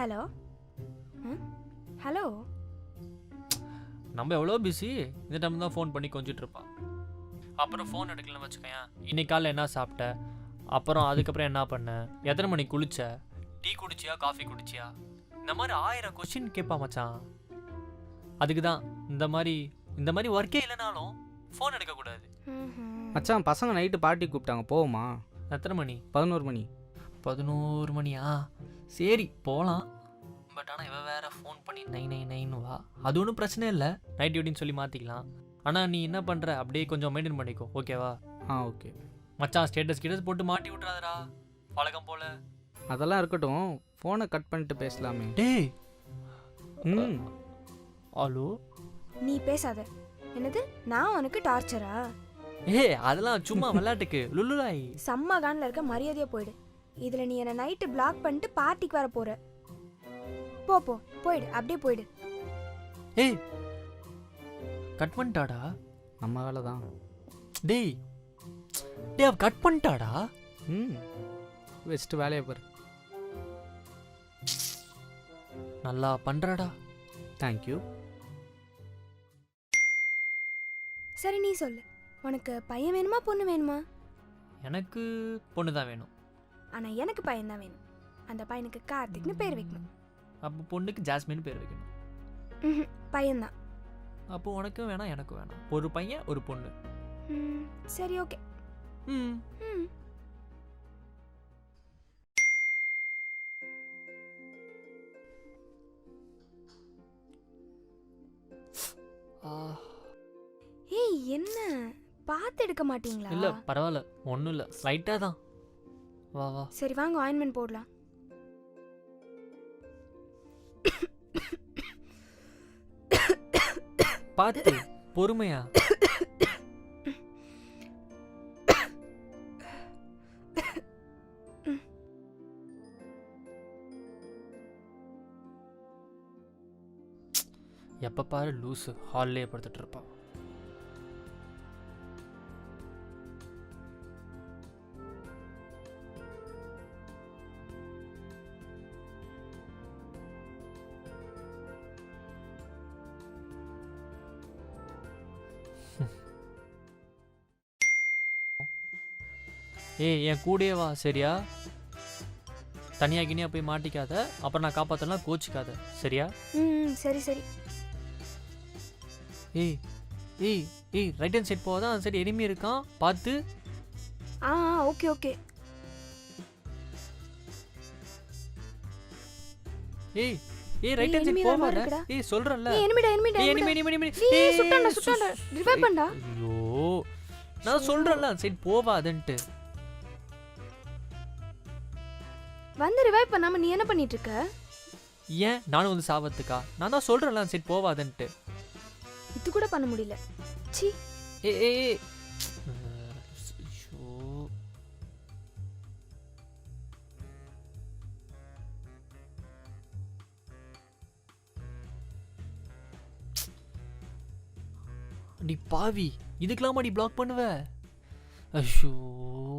Hello hello. நம்ம எவ்வளோ busy, இந்த டைம் தான் ஃபோன் பண்ணி கொஞ்சிட்டு இருப்பான். அப்புறம் ஃபோன் எடுக்கலன்னு வச்சுக்கோயேன். இன்னைக்கு காலையில் என்ன சாப்பிட்ட, அப்புறம் அதுக்கப்புறம் என்ன பண்ண, எத்தனை மணிக்கு குளிச்ச, டீ குடிச்சியா காஃபி குடிச்சியா, இந்த மாதிரி 1000 கொஸ்டின் கேட்பா மச்சான். அதுக்கு தான் இந்த மாதிரி ஒர்க்கே இல்லைனாலும் ஃபோன் எடுக்கக்கூடாது. மச்சான் பசங்க நைட்டு பார்ட்டி கூப்பிட்டாங்க, போவோமா? எத்தனை மணி? 11 மணி. 11 மணியா? சரி போகலாம். பட் ஆனால் இவ வேற ஃபோன் பண்ணி 9 வா. அது ஒன்றும் பிரச்சனை இல்லை, நைட் டியூட்டின்னு சொல்லி மாற்றிக்கலாம். ஆனால் நீ என்ன பண்ணுற, அப்படியே கொஞ்சம் மெயின்டைன் பண்ணிக்கோ, ஓகேவா? ஓகே மச்சான் ஸ்டேட்டஸ் போட்டு மாட்டி விட்றாதடா பழக்கம் போல. அதெல்லாம் இருக்கட்டும், ஃபோனை கட் பண்ணிட்டு பேசலாமே. டேய் ம் ஹலோ. நீ பேசாத. என்னது, நான் உனக்கு டார்ச்சரா? அதெல்லாம் சும்மா விளையாட்டுக்கு லுல்லுலாய். செம்ம கான்ல இருக்க, மரியாதையா போயிடு. இதுல நீ என்ன நைட்டு பிளாக் பண்ணிட்டு பார்ட்டிக்கு வர போற. போ போ போயிடு, அப்படியே போயிடு. ஏய் கட் பண்ணிட்டாடா. நம்ம வேலை தான். டேய் அவ கட் பண்ணிட்டாடா. வச்சுட்டு வேலையை பாரு. நல்லா பண்றடா. தேங்க்யூ. சரி நீ சொல்லு, உனக்கு பையன் வேணுமா பொண்ணு வேணுமா? எனக்கு பொண்ணு தான் வேணும். ஆனா எனக்கு பையன் தான் வேணும். அந்த பையனுக்கு கார்த்திக்னு பேர் வைக்கணும். அப்போ பொண்ணுக்கு ஜாஸ்மின் பேர் வைக்கணும். பையன்தான். அப்போ உனக்கும் வேணாம் எனக்கும் வேணாம், ஒரு பையன் ஒரு பொண்ணு. சரி ஓகே. ம் ஏய் என்ன பார்த்து எடுக்க மாட்டீங்களா? இல்லை பரவாயில்ல, ஒன்றும் இல்லை, லைட்டாக தான். வா வா. சரி வாங்க ஆயின்மெண்ட் போடலாம். பார்த்து பொறுமையா. எப்ப பாரு லூசு ஹால்லே படுத்துட்டு இருப்பான். ஏய் என் கூடயே வா சரியா? தனியா கினியா போய் மாட்டிக்காத, அப்புறம் நான் காப்பாத்தலாம் கோச்சிக்காத சரியா? சரி சரி. ஏய் ஏய் ஏய் ரைட் ஹேண்ட் சைட் போவாதான், அந்த சைடு எனிமி இருக்கான் பார்த்து. Okay okay. ஏய் ஏய் ரைட் ஹேண்ட் சைட் போவாத. ஏய் சொல்றேன்ல. எனிமி சுட்டான்டா. ரிவைவ் பண்ணடா. ஐயோ நான் சொல்றேன்ல, அந்த சைடு போவாதன்ட்டு. வந்து ரிவைவ் பண்ணாம நீ என்ன பண்ணிட்டு இருக்க? ஏன் நானும் வந்து சாவத்துக்கா? நான் தான் சொல்றேன்ல, அந்த சைடு போவாதன்ட்டு. இது கூட பண்ண முடியல. சி. ஏய் நீ பாவி, இதுக்கெல்லாம் நீ பிளாக் பண்ணுவ? ஐயோ